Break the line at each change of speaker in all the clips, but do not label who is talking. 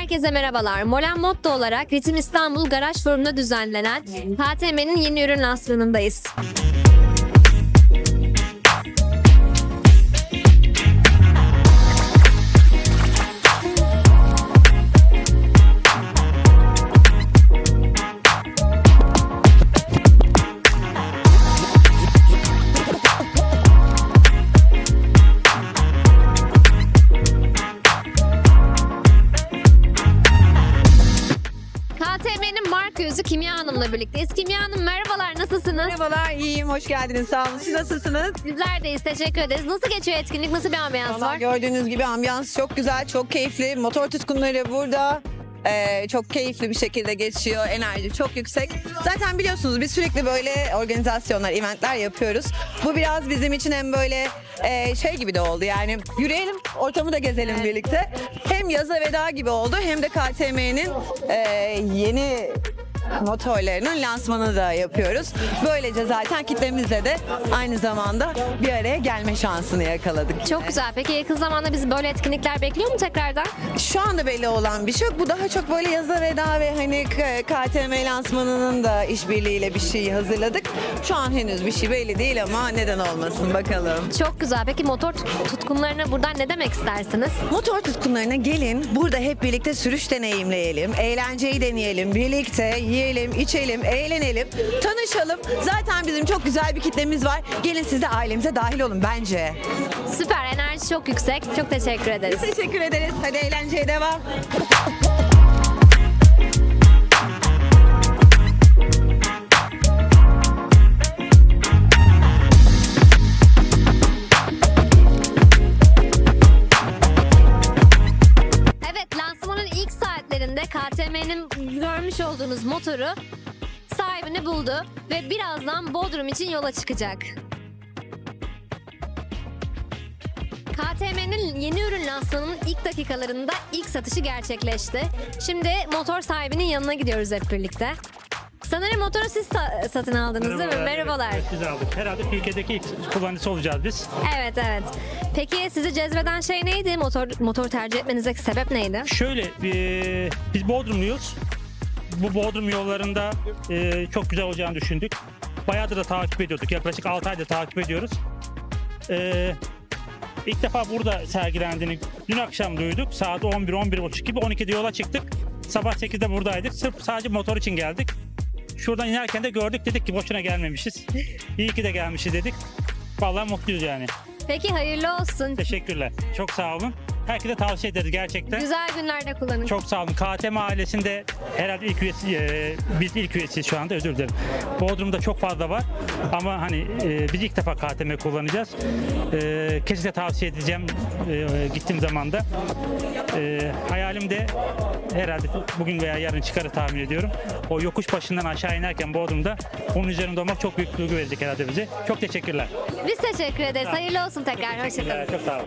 Herkese merhabalar. Molen Motto olarak Ritim İstanbul Garaj Forum'da düzenlenen KTM'nin yeni ürün lansmanındayız. KTM'nin marka yüzü Kimya Hanım'la birlikteyiz. Kimya Hanım merhabalar, nasılsınız?
Merhabalar, iyiyim. Hoş geldiniz. Sağ olun. Siz nasılsınız?
Bizler deyiz, teşekkür ederiz. Nasıl geçiyor etkinlik, nasıl bir ambiyans
Vallahi
var?
gördüğünüz gibi ambiyans çok güzel, çok keyifli. Motor tutkunları burada. Çok keyifli bir şekilde geçiyor. Enerji çok yüksek. Zaten biliyorsunuz biz sürekli böyle organizasyonlar, eventler yapıyoruz. Bu biraz bizim için hem böyle şey gibi de oldu, yani yürüyelim, ortamı da gezelim birlikte. Hem yaza veda gibi oldu hem de KTM'nin yeni motorlarının lansmanını da yapıyoruz. Böylece zaten kitlemizle de aynı zamanda bir araya gelme şansını yakaladık.
Çok güzel. Peki yakın zamanda bizi böyle etkinlikler bekliyor mu tekrardan?
Şu anda belli olan bir şey yok. Bu daha çok böyle yaza veda ve hani KTM lansmanının da işbirliğiyle bir şey hazırladık. Şu an henüz bir şey belli değil ama neden olmasın, bakalım.
Çok güzel. Peki motor tutkunlarına buradan ne demek istersiniz?
Motor tutkunlarına gelin, burada hep birlikte sürüş deneyimleyelim, eğlenceyi deneyelim, birlikte yiyelim, içelim, eğlenelim, tanışalım. Zaten bizim çok güzel bir kitlemiz var. Gelin siz de ailemize dahil olun bence.
Süper, enerji çok yüksek. Çok teşekkür ederiz.
Teşekkür ederiz. Hadi eğlenceye devam.
Evet, lansmanın ilk saatlerinde KTM'nin görmüş olduğunuz motoru sahibini buldu ve birazdan Bodrum için yola çıkacak. KTM'nin yeni ürün lansmanının ilk dakikalarında ilk satışı gerçekleşti. Şimdi motor sahibinin yanına gidiyoruz hep birlikte. Sanırım motoru siz satın aldınız değil mi? Merhabalar.
Evet, biz aldık. Herhalde Türkiye'deki ilk kullanıcısı olacağız biz.
Evet, evet. Peki sizi cezbeden şey neydi? Motor tercih etmenizdeki sebep neydi?
Şöyle, biz Bodrumluyuz. Bu Bodrum yollarında çok güzel olacağını düşündük. Bayağıdır da takip ediyorduk. Yaklaşık 6 aydır takip ediyoruz. İlk defa burada sergilendiğini dün akşam duyduk. Saat 11-11.30 gibi, 12'de yola çıktık. Sabah 8'de buradaydık. Sırf sadece motor için geldik. Şuradan inerken de gördük, dedik ki boşuna gelmemişiz. İyi ki de gelmişiz dedik. Vallahi mutluyuz yani.
Peki hayırlı olsun.
Teşekkürler. Çok sağ olun. Herkese tavsiye ederiz gerçekten.
Güzel günlerde kullanın.
Çok sağ olun. KTM ailesinde herhalde ilk üyesi, biz ilk üyesiyiz şu anda, özür dilerim. Bodrum'da çok fazla var ama hani biz ilk defa KTM kullanacağız. Kesinlikle tavsiye edeceğim gittiğim zaman da. Hayalim de herhalde bugün veya yarın çıkarı tahmin ediyorum. O yokuş başından aşağı inerken Bodrum'da onun üzerinde olmak çok büyük duygu verecek herhalde bize. Çok teşekkürler.
Biz teşekkür ederiz. Hayırlı olsun tekrar. Hoşçakalın.
Çok sağ olun.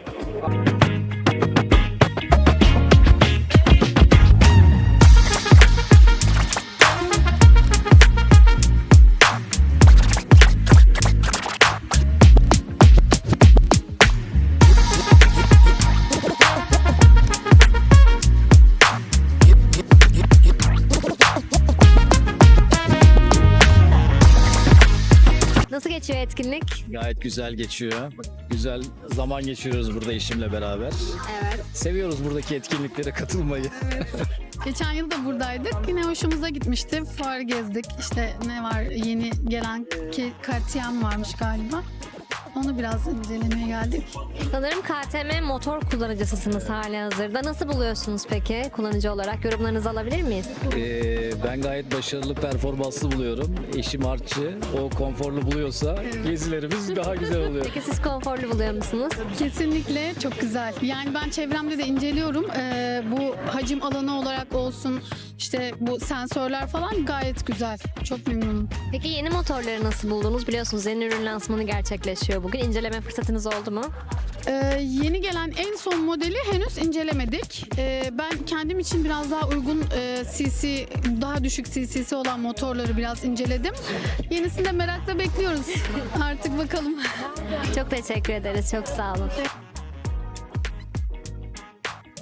Nasıl geçiyor etkinlik?
Gayet güzel geçiyor. Güzel zaman geçiriyoruz burada eşimle beraber.
Evet.
Seviyoruz buradaki etkinliklere katılmayı.
Geçen yıl da buradaydık. Yine hoşumuza gitmişti. Fuar gezdik. İşte ne var, yeni gelen KTM varmış galiba. Onu biraz incelemeye geldik.
Sanırım KTM motor kullanıcısısınız halihazırda. Nasıl buluyorsunuz peki kullanıcı olarak? Yorumlarınızı alabilir miyiz?
Ben gayet başarılı, performanslı buluyorum. Eşim artçı. O konforlu buluyorsa gezilerimiz daha güzel oluyor.
Peki siz konforlu buluyor musunuz?
Kesinlikle çok güzel. Yani ben çevremde de inceliyorum. Bu hacim alanı olarak olsun, işte bu sensörler falan gayet güzel. Çok memnunum.
Peki yeni motorları nasıl buldunuz? Biliyorsunuz yeni ürün lansmanı gerçekleşiyor bugün. İnceleme fırsatınız oldu mu?
Yeni gelen en son modeli henüz incelemedik. Ben kendim için biraz daha uygun cc, daha düşük cc'si olan motorları biraz inceledim. Yenisini de merakla bekliyoruz. Artık bakalım.
Çok teşekkür ederiz. Çok sağ olun.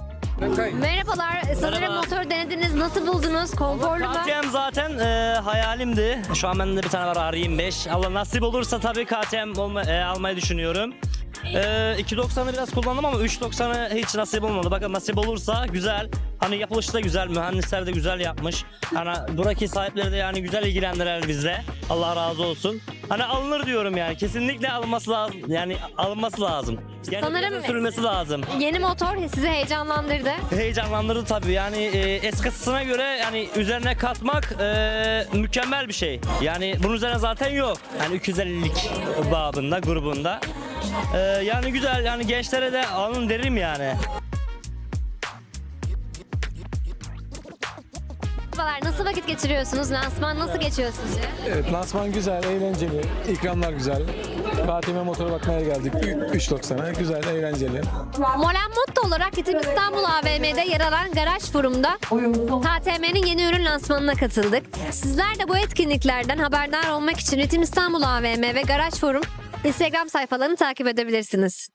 Merhabalar. Sanırım
Merhaba.
motor denediniz. Nasıl buldunuz? Konforlu mu?
KTM zaten hayalimdi. Şu an bende de bir tane var R25. Allah nasip olursa tabii KTM almayı düşünüyorum. 2.90'ı biraz kullandım ama 3.90'ı hiç nasip olmadı. Bakın nasip olursa güzel. Hani yapılışı da güzel, mühendisler de güzel yapmış. Hani buradaki sahipleri de yani güzel ilgilendiler bizle. Allah razı olsun. Hani alınır diyorum yani. Kesinlikle alınması lazım. Yani alınması lazım. Yani
Sanırım-
biraz sürülmesi lazım.
Yeni motor sizi heyecanlandırdı.
Heyecanlandırdı tabii yani eskisine göre yani üzerine katmak mükemmel bir şey. Yani bunun üzerine zaten yok. Yani 250'lik babında, grubunda. Yani güzel yani gençlere de alın derim yani.
Merhabalar. Nasıl vakit geçiriyorsunuz? Lansman nasıl geçiyor sizce?
Evet, lansman güzel, eğlenceli, ikramlar güzel. KTM motora bakmaya geldik 3.90'a. Güzel, eğlenceli.
Molen Motto olarak Ritim İstanbul AVM'de yer alan Garaj Forum'da KTM'nin yeni ürün lansmanına katıldık. Sizler de bu etkinliklerden haberdar olmak için Ritim İstanbul AVM ve Garaj Forum Instagram sayfalarını takip edebilirsiniz.